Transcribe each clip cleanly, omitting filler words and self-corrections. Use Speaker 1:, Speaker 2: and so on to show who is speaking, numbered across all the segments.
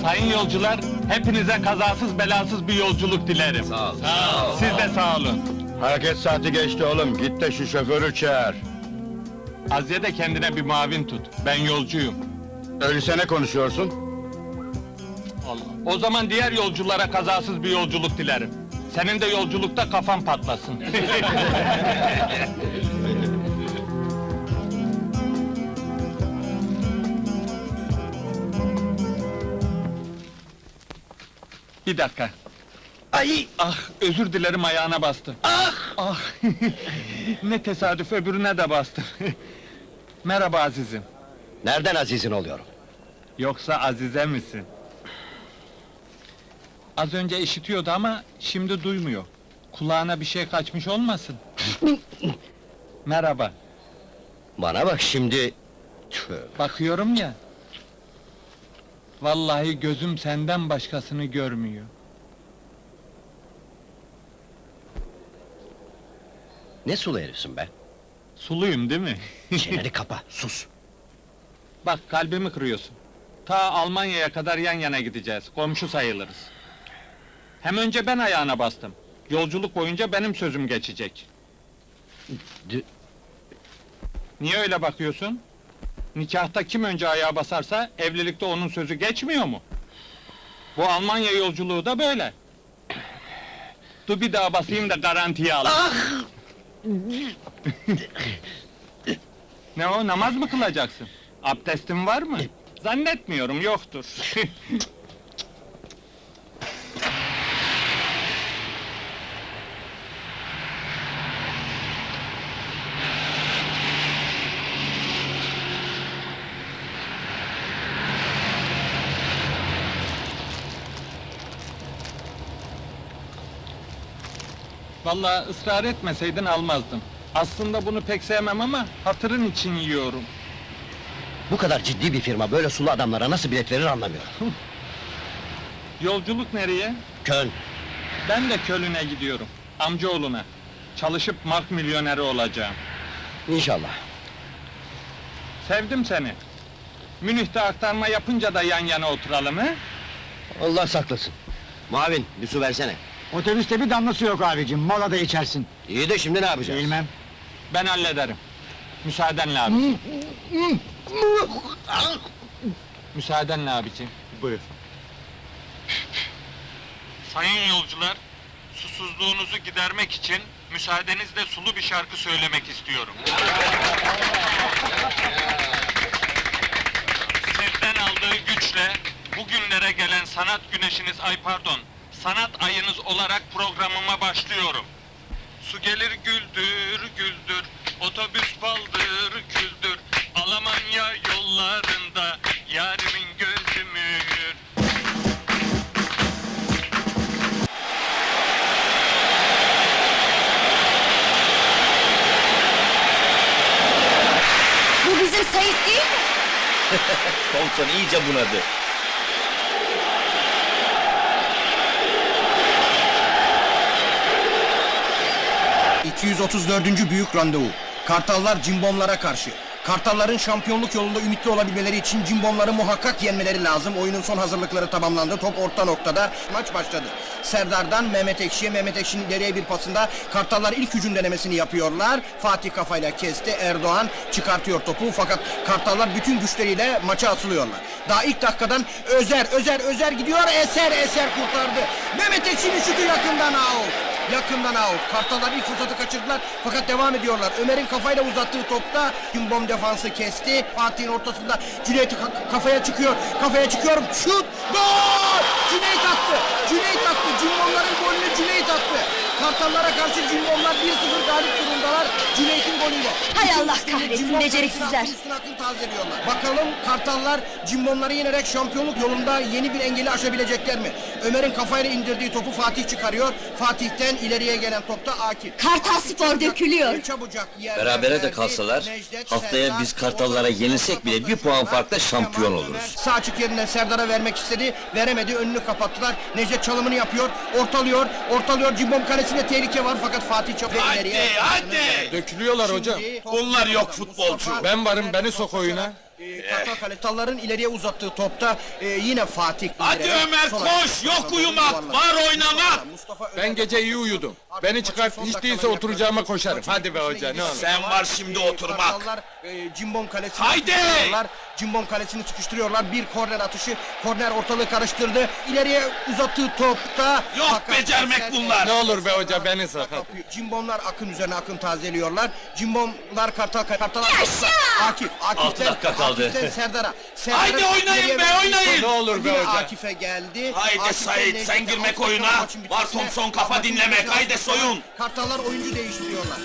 Speaker 1: Sayın yolcular, hepinize kazasız belasız bir yolculuk dilerim.
Speaker 2: Sağ ol.
Speaker 1: Siz de sağ olun.
Speaker 3: Hareket saati geçti oğlum, git de şu şoförü çağır.
Speaker 1: Azize de kendine bir muavin tut, ben yolcuyum.
Speaker 3: Öyleyse ne konuşuyorsun?
Speaker 1: Allah. O zaman diğer yolculara kazasız bir yolculuk dilerim. Senin de yolculukta kafan patlasın. Bir dakika.
Speaker 2: Ay!
Speaker 1: Ah, özür dilerim, ayağına bastım.
Speaker 2: Ah!
Speaker 1: Ah! Ne tesadüf, öbürüne de bastım. Merhaba azizim.
Speaker 2: Nereden azizin oluyorum?
Speaker 1: Yoksa Azize misin? Az önce işitiyordu ama şimdi duymuyor. Kulağına bir şey kaçmış olmasın? Merhaba.
Speaker 2: Bana bak şimdi... Tüh!
Speaker 1: Bakıyorum ya. Vallahi gözüm senden başkasını görmüyor.
Speaker 2: Ne sulu herifsin be?
Speaker 1: Suluyum değil mi?
Speaker 2: Çeneni kapa, sus!
Speaker 1: Bak, kalbimi kırıyorsun. Ta Almanya'ya kadar yan yana gideceğiz, komşu sayılırız. Hem önce ben ayağına bastım. Yolculuk boyunca benim sözüm geçecek.
Speaker 2: D-
Speaker 1: Niye öyle bakıyorsun? Nikahta kim önce ayağa basarsa, evlilikte onun sözü geçmiyor mu? Bu Almanya yolculuğu da böyle. Dur bir daha basayım da garantiye al.
Speaker 2: Ah!
Speaker 1: Ne o, namaz mı kılacaksın? Abdestin var mı? Zannetmiyorum, yoktur. Vallahi ısrar etmeseydin almazdım. Aslında bunu pek sevmem ama hatırın için yiyorum.
Speaker 2: Bu kadar ciddi bir firma böyle sulu adamlara nasıl bilet verir anlamıyorum.
Speaker 1: Yolculuk nereye?
Speaker 2: Köln!
Speaker 1: Ben de Köln'e gidiyorum. Amcaoğluna. Çalışıp mark milyoneri olacağım.
Speaker 2: İnşallah.
Speaker 1: Sevdim seni. Münih'te aktarma yapınca da yan yana oturalım he?
Speaker 2: Allah saklasın. Muavin, bir su versene.
Speaker 4: Otobüste bir damlası yok abicim, molada içersin.
Speaker 2: İyi de şimdi ne yapacağız?
Speaker 4: Bilmem.
Speaker 1: Ben hallederim. Müsaadenle abi. Müsaadenle abiciğim.
Speaker 4: Buyur.
Speaker 1: Sayın yolcular, susuzluğunuzu gidermek için müsaadenizle sulu bir şarkı söylemek istiyorum. Sizden aldığı güçle bugünlere gelen sanat güneşiniz, sanat ayınız olarak programıma başlıyorum. Su gelir güldür güldür, otobüs baldır küldür, Almanya yollarında yarimin gözü mühür.
Speaker 5: Bu bizim Sait değil mi?
Speaker 2: Thompson iyice bunadı.
Speaker 6: ...234. büyük randevu. Kartallar Cimbomlara karşı. Kartalların şampiyonluk yolunda ümitli olabilmeleri için Cimbomları muhakkak yenmeleri lazım. Oyunun son hazırlıkları tamamlandı. Top orta noktada. Maç başladı. Serdar'dan Mehmet Ekşi'ye, Mehmet Ekşi'nin ileriye bir pasında Kartallar ilk hücum denemesini yapıyorlar. Fatih kafayla kesti. Erdoğan çıkartıyor topu. Fakat Kartallar bütün güçleriyle maça atılıyorlar. Daha ilk dakikadan Özer gidiyor. Eser kurtardı. Mehmet Ekşi'nin şutu yakından out. Yakından out. Kartallar ilk fırsatı kaçırdılar fakat devam ediyorlar. Ömer'in kafayla uzattığı topta Cimbom defansı kesti. Fatih'in ortasında Cüneyt kafaya çıkıyor. Şut! Gol! Cüneyt attı. Cimbomların golünü Cüneyt attı. Kartallara karşı Cimbomlar 1-0 galip durumdalar. Cüneyt'in golüyle.
Speaker 5: Hay Allah kahretsin,
Speaker 6: Cimbom
Speaker 5: beceriksizler!
Speaker 6: üstüne akıl tazeliyorlar. Bakalım Kartallar Cimbomları yenerek şampiyonluk yolunda yeni bir engeli aşabilecekler mi? Ömer'in kafayla indirdiği topu Fatih çıkarıyor. Fatih'ten ileriye gelen topta Akif.
Speaker 5: Kartal Spor dökülüyor!
Speaker 6: Çabucak
Speaker 7: Berabere de kalsalar, haftaya biz Kartallara yenilsek bile bir puan farkla şampiyon oluruz.
Speaker 6: Sağ açık yerinden Serdar'a vermek istedi, veremedi, önünü kapattılar. Necdet çalımını yapıyor, ortalıyor. Cimbom kalesinde tehlike var fakat Fatih çok ileriye.
Speaker 1: Dökülüyorlar hocam.
Speaker 6: Bunlar yok futbolcu.
Speaker 1: Ben varım, beni sok oyuna.
Speaker 6: Kartalların ileriye uzattığı topta yine Fatih.
Speaker 8: Hadi
Speaker 6: indirerek
Speaker 8: Ömer
Speaker 6: sol
Speaker 8: koş,
Speaker 6: ayağı-
Speaker 8: yok uyumak, var oynamak.
Speaker 6: Mustafa
Speaker 1: Ben gece iyi uyudum. Beni çıkart, hiç değilse oturacağıma koşarım. Hadi be hoca, ne olur.
Speaker 8: Sen var şimdi oturmak.
Speaker 6: Kartallar Cimbom kalesini
Speaker 8: Haydi!
Speaker 6: sıkıştırıyorlar. Cimbom kalesini sıkıştırıyorlar. Bir korner atışı. Korner ortalığı karıştırdı. İleriye uzattığı topta.
Speaker 8: Yok becermek bunlar.
Speaker 1: Ne olur be hoca, beni sakat.
Speaker 6: Kapıyor. Cimbomlar Akın üzerine Akın tazeliyorlar. Cimbomlar Kartallar. Akif.
Speaker 7: Altı dakika kaldı.
Speaker 6: Akif'ten Serdar'a.
Speaker 8: Haydi oynayın
Speaker 6: ileriye
Speaker 8: be,
Speaker 6: verdiği
Speaker 8: oynayın.
Speaker 6: top
Speaker 1: Ne olur be
Speaker 6: yine
Speaker 1: hoca.
Speaker 6: Akif'e geldi.
Speaker 8: Haydi
Speaker 6: Akif'ten
Speaker 8: Sait,
Speaker 6: Necdet'e
Speaker 8: sen girmek
Speaker 6: altı dakika
Speaker 8: oyuna.
Speaker 6: maçın
Speaker 8: Var
Speaker 6: bitmesine
Speaker 8: Thompson kafa
Speaker 6: bakın
Speaker 8: dinlemek,
Speaker 6: biraz
Speaker 8: haydi
Speaker 6: sonra
Speaker 8: soyun.
Speaker 6: Kartallar oyuncu değiştiriyorlar.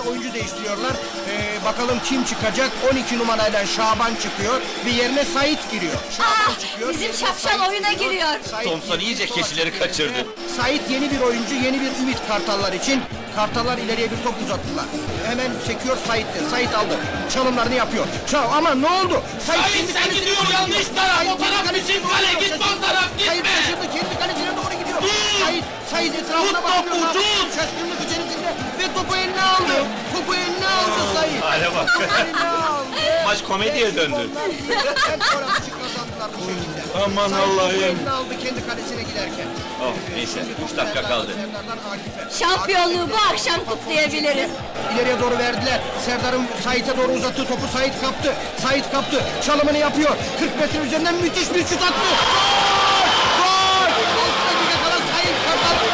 Speaker 6: Bakalım kim çıkacak? 12 numarayla Şaban çıkıyor ve yerine Sait giriyor. Şaban çıkıyor.
Speaker 5: bizim
Speaker 6: yerine
Speaker 5: şapşal
Speaker 6: Sait
Speaker 5: oyuna giriyor.
Speaker 6: Sait
Speaker 7: Thompson iyice
Speaker 6: sola
Speaker 7: keçileri
Speaker 6: çekiyor.
Speaker 7: kaçırdı.
Speaker 6: Sait yeni bir oyuncu, yeni bir ümit Kartallar için. Kartallar ileriye bir top uzattılar. Hemen sekiyor Sait'te. Sait aldı. Çalımlarını yapıyor. Ama ne oldu?
Speaker 8: Sait,
Speaker 6: kendi
Speaker 8: sen
Speaker 6: kalesine
Speaker 8: gidiyor,
Speaker 6: doğru
Speaker 8: yanlış
Speaker 6: gidiyor.
Speaker 8: taraf,
Speaker 6: Sait
Speaker 8: o
Speaker 6: kendi
Speaker 8: taraf
Speaker 6: kalesine
Speaker 8: bizim
Speaker 6: doğru
Speaker 8: kale,
Speaker 6: gidiyor.
Speaker 8: gitme o taraf,
Speaker 6: Sait
Speaker 8: gitme.
Speaker 6: şaşırdı, kendi kalesine doğru gidiyor.
Speaker 8: Dur!
Speaker 6: Sait etrafına
Speaker 8: Tut
Speaker 6: bakıyor.
Speaker 8: topu, tut!
Speaker 6: Şaşkınlık içerisinde ve topu eline aldı. Topu eline aldı Sait.
Speaker 7: Hale bak.
Speaker 6: Eline aldı.
Speaker 7: Maç komediye döndü.
Speaker 6: Onlar bir gol atışı kazandılar bu şekilde.
Speaker 1: Aman
Speaker 6: Sait
Speaker 1: Allah'ım.
Speaker 6: topu eline aldı kendi kalesine giderken.
Speaker 7: Oh, neyse, 3 dakika kaldı.
Speaker 6: Serdar'dan Akif'e.
Speaker 5: Şampiyonluğu bu akşam kutlayabiliriz.
Speaker 6: İleriye doğru verdiler. Serdar'ın Sait'e doğru uzattığı topu Sait kaptı. Sait kaptı. Çalımını yapıyor. 40 metre üzerinden müthiş bir şut attı. Gol! Gol! 6 dakika kala Sait kazandı.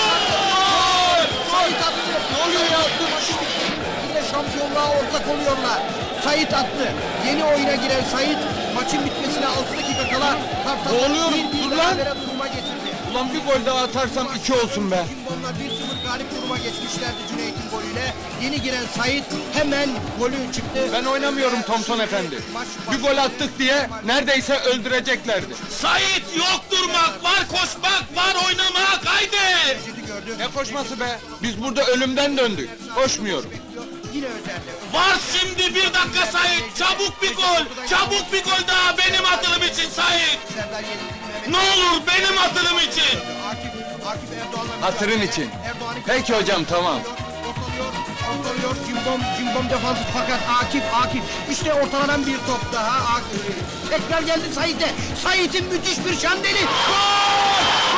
Speaker 6: Sait attı. Gol attı. Maçı bitti. Yine şampiyonluğa ortak oluyorlar. Sait attı. Yeni oyuna giren Sait maçın bitmesine 6 dakika kala Kartal'ı
Speaker 1: Ne oluyor?
Speaker 6: bir
Speaker 1: Dur lan!
Speaker 6: berabere duruma getirdi.
Speaker 1: Ulan bir gol daha atarsam 2 olsun be.
Speaker 6: Cimbomlar 1-0 galip duruma geçmişlerdi Cüneyt'in golüyle. Yeni giren Sait hemen golü çıktı.
Speaker 1: Ben oynamıyorum Thompson efendi. Bir gol attık diye neredeyse öldüreceklerdi.
Speaker 8: Sait, yok durmak, var koşmak, var oynamak, haydi.
Speaker 6: Necdet'i gördü.
Speaker 1: Ne koşması be? Biz burada ölümden döndük. Koşmuyorum.
Speaker 6: Yine özelde.
Speaker 8: Var şimdi 1 dakika Sait, çabuk bir gol, çabuk bir gol daha benim atılım için Sait.
Speaker 6: Serdar yenildi.
Speaker 8: Ne olur benim atılım için.
Speaker 6: Akif Erdoğan'la
Speaker 1: Hatırın için.
Speaker 6: Erdoğan'ı
Speaker 1: Peki hocam, tamam.
Speaker 6: ortalıyor. Cimbom defansı fakat Akif. İşte ortalanan bir top daha. Tekrar geldi Sait'e. Sait'in müthiş bir şandeli. Gol!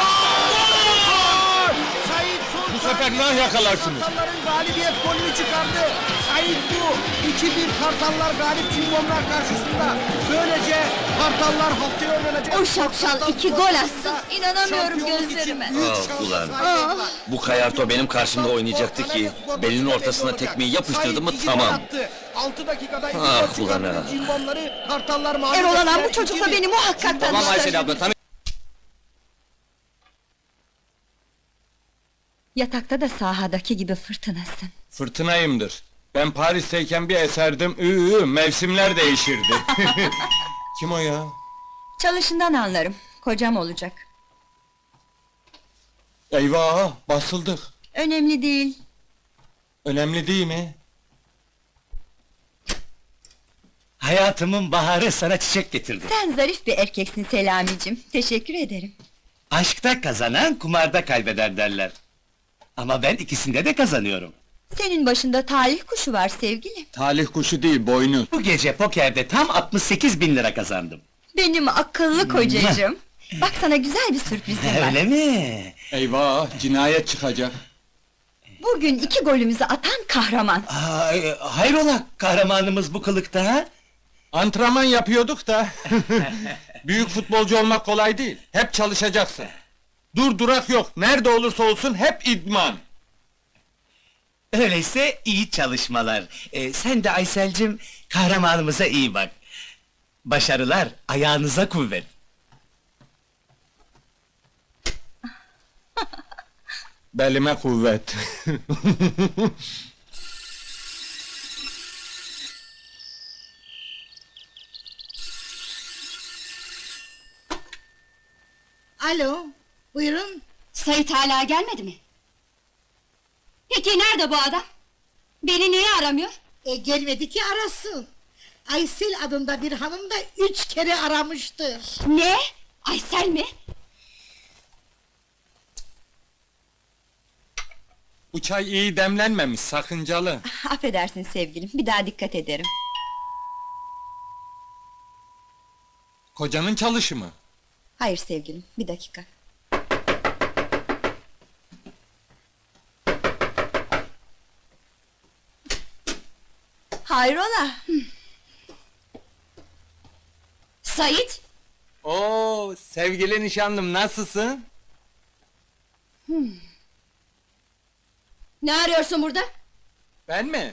Speaker 6: Sait son
Speaker 1: Bu sefer nah yakalarsınız.
Speaker 6: Kartalların galibiyet golünü çıkardı. Sait bu. 2-1 Kartallar galip Cimbomlar karşısında. Böylece Kartallar haftaya oynanacak.
Speaker 5: O şapşal 2 gol atsın, inanamıyorum gözlerime.
Speaker 7: Ah, ulan. Bu Kayarto benim karşımda oynayacaktı ki, belinin ortasına tekmeyi yapıştırdı mı tamam.
Speaker 6: 6 dakikada iki
Speaker 7: Ah,
Speaker 6: gol çıkarttı.
Speaker 7: ulan ha.
Speaker 6: Cimbomları Kartallar mağlup
Speaker 5: Erol Alan
Speaker 6: ettiler.
Speaker 5: bu çocukla
Speaker 6: 2-1.
Speaker 5: beni muhakkak tanıştır.
Speaker 7: abla,
Speaker 5: Yatakta da sahadaki gibi fırtınasın.
Speaker 1: Fırtınayımdır. Ben Paris'teyken bir eserdim. Mevsimler değişirdi. Kim o ya?
Speaker 5: Çalışından anlarım, kocam olacak.
Speaker 1: Eyvah, basıldık.
Speaker 5: Önemli değil.
Speaker 1: Önemli değil mi?
Speaker 9: Hayatımın baharı sana çiçek getirdi.
Speaker 5: Sen zarif bir erkeksin Selamicim, teşekkür ederim.
Speaker 9: Aşkta kazanan kumarda kaybeder derler. Ama ben ikisinde de kazanıyorum.
Speaker 5: Senin başında talih kuşu var sevgilim.
Speaker 1: Talih kuşu değil, boynuz.
Speaker 9: Bu gece pokerde tam 68.000 lira kazandım.
Speaker 5: Benim akıllı kocacığım. Bak sana güzel bir sürprizim var.
Speaker 9: Öyle mi?
Speaker 1: Eyvah, cinayet çıkacak.
Speaker 5: Bugün 2 golümüzü atan kahraman.
Speaker 9: Hayrola kahramanımız bu kılıkta ha?
Speaker 1: Antrenman yapıyorduk da. Büyük futbolcu olmak kolay değil. Hep çalışacaksın. Dur durak yok. Nerede olursa olsun hep idman.
Speaker 9: Öyleyse iyi çalışmalar. Sen de Aysel'cim kahramanımıza iyi bak. Başarılar, ayağınıza kuvvet.
Speaker 1: Belime kuvvet.
Speaker 10: Alo, buyurun.
Speaker 5: Sait hala gelmedi mi? Peki nerede bu adam? Beni niye aramıyor?
Speaker 10: Gelmedi ki arasın. Aysel adında bir hanım da 3 kere aramıştır.
Speaker 5: Ne? Aysel mi?
Speaker 1: Bu çay iyi demlenmemiş, sakıncalı.
Speaker 5: Affedersin sevgilim, bir daha dikkat ederim.
Speaker 1: Kocanın çalışı mı?
Speaker 5: Hayır sevgilim, bir dakika.
Speaker 10: Hayrola?
Speaker 5: Sait,
Speaker 1: Oo, sevgili nişanlım nasılsın?
Speaker 5: ne arıyorsun burada?
Speaker 1: Ben mi?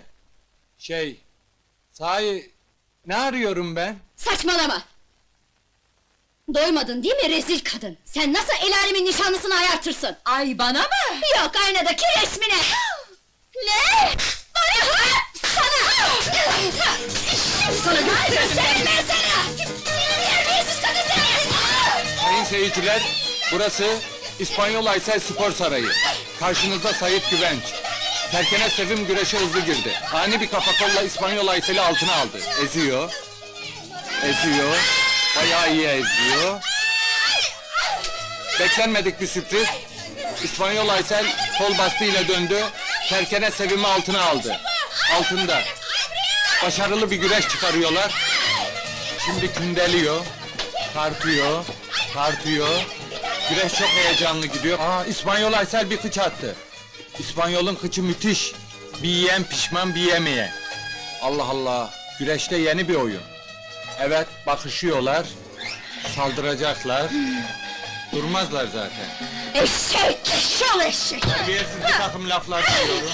Speaker 1: Sahi ne arıyorum ben?
Speaker 5: Saçmalama! Doymadın değil mi rezil kadın? Sen nasıl el alemin nişanlısını ayartırsın?
Speaker 10: Ay bana mı?
Speaker 5: Yok aynadaki resmine! Ne? Bana ha! Sana! Sana gösteririm ben sana! Seni terbiyesiz kadın seni!
Speaker 1: Sayın seyirciler, burası İspanyol Aysel Spor Sarayı. Karşınızda Sait Güvenç. Terkene Sevim güreşe hızlı girdi. Ani bir kafa kolla İspanyol Aysel'i altına aldı. Eziyor. Eziyor. Bayağı iyi eziyor. Beklenmedik bir sürpriz. İspanyol Aysel kol bastığıyla döndü. Terkene Sevim'i altına aldı. Altında. Başarılı bir güreş çıkarıyorlar. Şimdi kündeliyor. Tartıyor. Tartıyor. Güreş çok heyecanlı gidiyor. Aa, İspanyol Aysel bir kıç attı. İspanyol'un kıçı müthiş. Bir yiyen pişman bir yemeye. Allah Allah. Güreşte yeni bir oyun. Evet, bakışıyorlar. Saldıracaklar. Durmazlar zaten.
Speaker 5: Eşek! Şol eşek!
Speaker 1: Terbiyesiz bir takım laflar duyuyorum.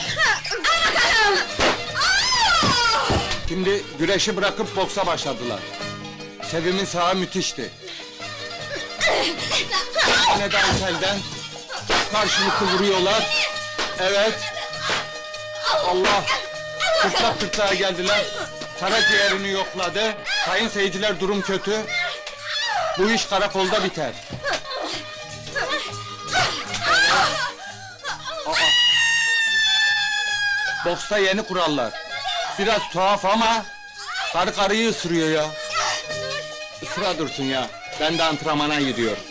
Speaker 1: Şimdi güreşi bırakıp boksa başladılar. Sevim'in sağı müthişti. Yine de Aysel'den karşılıklı vuruyorlar. Evet. Allah! Kırtlak kırtlağa geldiler. Karaciğerini yokladı. Sayın seyirciler durum kötü. Bu iş karakolda biter. Aa. Boksta yeni kurallar. Biraz tuhaf ama karı karıyı ısırıyor ya. Isıra dursun ya. Ben de antrenmana gidiyorum.